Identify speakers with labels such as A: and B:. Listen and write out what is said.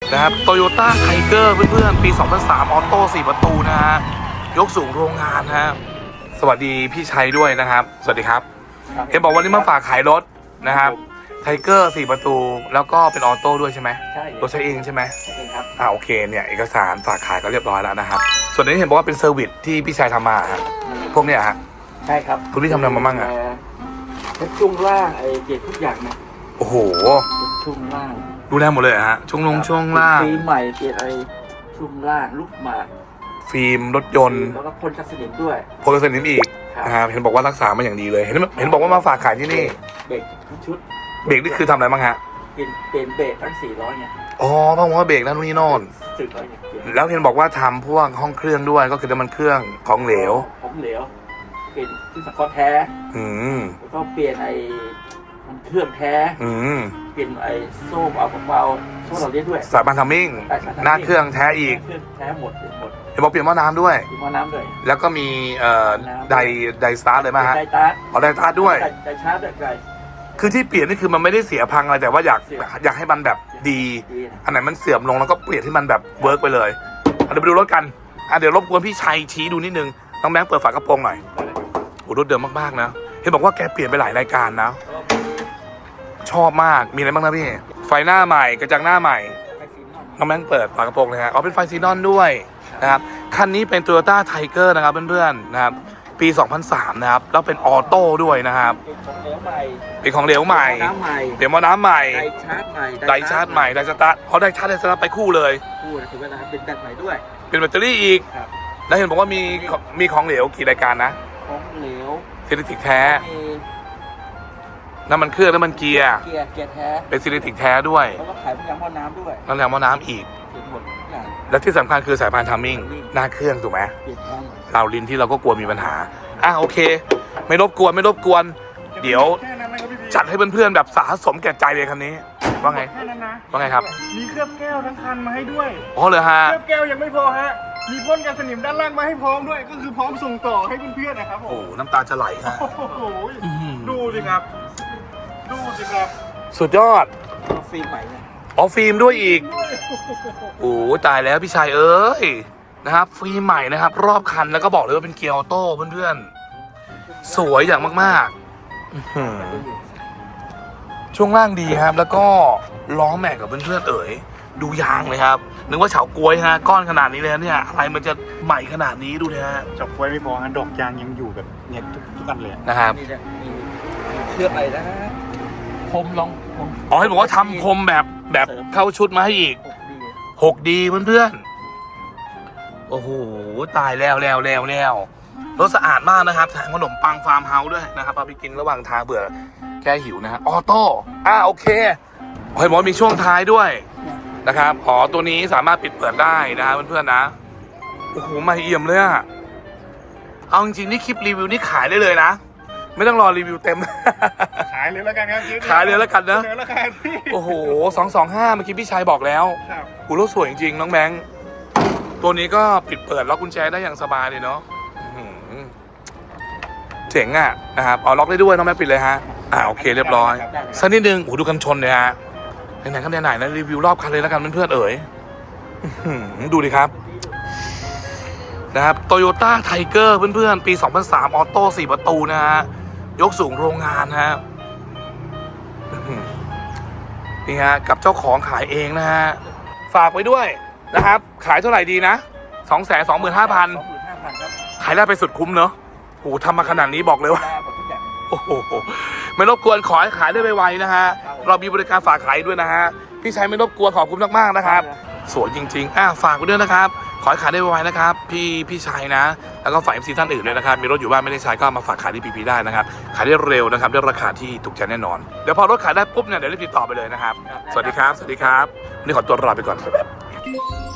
A: นะครับ Toyota Tiger เพื่อนๆปี 2003 ออโต้4 ประตูนะฮะยกสูงโรงงานฮะสวัสดีพี่ชัยด้วยนะครับสวัสดีครับเห็นบอกวันนี้มาฝากขายรถนะครับไทเกอร์4 ประตูแล้วก็เป็นออโต้ด้วยใช่ไหม
B: ใช่
A: รถใช้เองใช่ไหม
B: ใช่ครับ
A: โอเคเนี่ยเอกสารฝากขายก็เรียบร้อยแล้วนะครับส่วนนี้เห็นบอกว่าเป็นเซอร์วิสที่พี่ชัยทำมาฮะพวกเนี้ยฮะ
B: ใช่ครับ
A: คุณพี่ทำอะไรมาบ้างอะ
B: เป็นช่วงล่างไอ้เกจทุกอย่างนะ
A: โอ้โห
B: ช่วงล่าง
A: ดูแลหมดเลยฮะช่วงล่าง
B: ปีใหม่เกจไอ้ช่วงล่างลูกหมาก
A: ฟิล์มรถยนต์
B: แล้วก็พ่นกัสนิมด้วย
A: พ่นกัสนิมอีกนะครับเห็นบอกว่ารักษามาอย่างดีเลยเห็นบอกว่ามาฝากขายที่นี่
B: เบรกทั้งชุด
A: เบรกนี่คือทำอะไรบ้างฮะ
B: เป็นเบรกตั้ง400เนี่ย
A: อ๋อเพราะว่าเบรกนั่นนี่โน่นแล้วเห็นบอกว่าทำพวกห้องเครื่องด้วยก็คือน้ำมันเครื่องของเหลว
B: เป็นที่สังเคราะห์แท้แล้วก็เปลี่ยนไอ้มันเครื่องแท้เปลี่ยนไอ้โซ่เอาเบาโซ่เราเลี้ยด้วย
A: สายพานทัมมิ่งหน้าเครื่องแท้อีก
B: แท้หมด
A: เห็นบอกเปลี่ยนหม้อน้ำด้วยแล้วก็มีไดสตาร์ทเลยไหมฮะไดสตาร์ทด้วย
B: ไดชาร์จแบบได
A: คือที่เปลี่ยนนี่คือมันไม่ได้เสียพังอะไรแต่ว่าอยากให้มันแบบดีอันไหนมันเสื่อมลงแล้วก็เปลี่ยนให้มันแบบเวิร์กไปเลยเดี๋ยวไปดูรถกันเดี๋ยวรบกวนพี่ชัยชี้ดูนิดนึงน้องแบงค์เปิดฝากระโปรงหน่อยโอ้รถเดิมมากๆนะเห็นบอกว่าแกเปลี่ยนไปหลายรายการนะชอบมากมีอะไรบ้างนะพี่ไฟหน้าใหม่กระจังหน้าใหม่น้องแบงค์เปิดฝากระโปรงเลยฮะเป็นไฟซีนอนด้วยนะครับคันนี้เป็น Toyota Tiger นะครับเพื่อนๆนะครับปี 2003 นะครับแล้วเป็นออโต้ด้วยนะครับเป็นของเหลวใหม่เดี๋ยวมอน้ำใหม่
B: ไดชาร์จใหม่
A: ไดสตาร์ทเขาไดชาร์จไปคู่เลย
B: ถือว่าเป็นแบตใหม่ด้วย
A: เป็นแบตเตอรี่อีกแล้วเห็นบอกว่ามีของเหลวกี่รายการนะ
B: ของเหลว
A: ซิลิติกแท้น้ำมันเครื่องน้ำมันเกียร์
B: แท้
A: เป็นซิลิติกแท้ด้วย
B: แล้วก็ขายพยางหม้อน้ำด้วย
A: น้ำแรงหม้อน้ำอีกและที่สำคัญคือสายพานทัมมิ่งหน้าเครื่องถูกไหมเราลิ้นที่เราก็กลัวมีปัญหาโอเคไม่รบกวนเดี๋ยวจัดให้เพื่อนๆแบบสะสมแก่ใจเลยคันนี้ว่าไงว่าไงครับ
C: มีเคลือบแก้วทั้งคันมาให้ด้วย
A: อ๋อเลยฮะ
C: เคลือบแก้วยังไม่พอฮะมีพ่นกันสนิมด้านล่างมาให้พร้อมด้วยก็คือพร้อมส่งต่อให้เพื่อนๆนะครับผม
A: โอ้น้ำตาจะไหลฮะ
C: ดูสิครับ
A: สุดยอด
B: ฟิล์มใหม่
A: ฟิล์มด้วยอีกโอ้ตายแล้วพี่ชายเอ้ยนะครับฟิล์มใหม่นะครับรอบคันแล้วก็บอกเลยว่าเป็นเกียร์ออโต้เพื่อนๆสวยอย่างมากๆช่วงล่างดีครับแล้วก็ล้อแม็กกับเพื่อนๆดูยางเลยครับนึกว่าเฉากล้วยฮะก้อนขนาดนี้เลยเนี่ยอะไรมันจะใหม่ขนาดนี้ดูนะฮะ
C: เฉากล้วยไม่พอฮะดอกยางยังอยู่แบบเนี่ยทุกอันเลย
A: นะครับ
B: เคลือบอะไรนะพรมลอง
A: ให้บอกว่าทำพรมแบบเข้าชุดมาให้อีก6D เพื่อนๆโอ้โหตายแล้วรถสะอาดมากนะครับแถมขนมปังฟาร์มเฮาส์ด้วยนะครับเอาไปกินระหว่างทางเบื่อแก้หิวนะฮะออโต้โอเคเห็นบอกมีช่วงท้ายด้วยนะครับตัวนี้สามารถปิดเปิดได้นะครับเพื่อนๆนะโอ้โหไม่เอี่ยมเลยอะเอาจริงๆนี่คลิปรีวิวนี่ขายได้เลยนะไม่ต้องรอรีวิวเต็ม
C: ขายเลยแล้วกันครับ
A: ขายเลยแล้วกันนะโอ้โห225เมื่อกี้พี่ชายบอกแล้วกูรถสวยจริงๆน้องแบงค์ตัวนี้ก็ปิดเปิดล็อกกุญแจได้อย่างสบายเลยเนาะเจ๋งอ่ะนะครับล็อกได้ด้วยน้องแบงค์ปิดเลยฮะโอเคเรียบร้อยสักนิดนึงดูกันชนเลยฮะไหนๆก็ไหนๆนะรีวิวรอบคันเลยแล้วกันเพื่อนดูดิครับนะครับ Toyota Tiger เพื่อนๆปี 2003 ออโต้4 ประตูนะฮะยกสูงโรงงานฮะนี่ฮะกับเจ้าของขายเองนะฮะฝากไว้ด้วยนะครับขายเท่าไหร่ดีนะ 225,000 ขายได้ไปสุดคุ้มเนอะโอ้ทำมาขนาดนี้บอกเลยว่าโอ้โหไม่รบกวนขอให้ขายได้ไวๆนะฮะเรามีบริการฝากขายด้วยนะฮะพี่ชัยไม่รบกวนขอบคุณมากๆนะครับสวยจริงๆฝากไว้ด้วยนะครับขอให้ขายได้ไวๆนะครับพี่ชัยนะแล้วก็ฝาก MC ท่านอื่นด้วยนะครับมีรถอยู่บ้านไม่ได้ใช้ก็มาฝากขายที่ PP ได้นะครับขายได้เร็วนะครับด้วยราคาที่ถูกใจแน่นอนเดี๋ยวพอรถขายได้ปุ๊บเนี่ยเดี๋ยวรีบติดต่อไปเลยนะครับสวัสดีครับวันนี้ขอตัวลาไปก่อน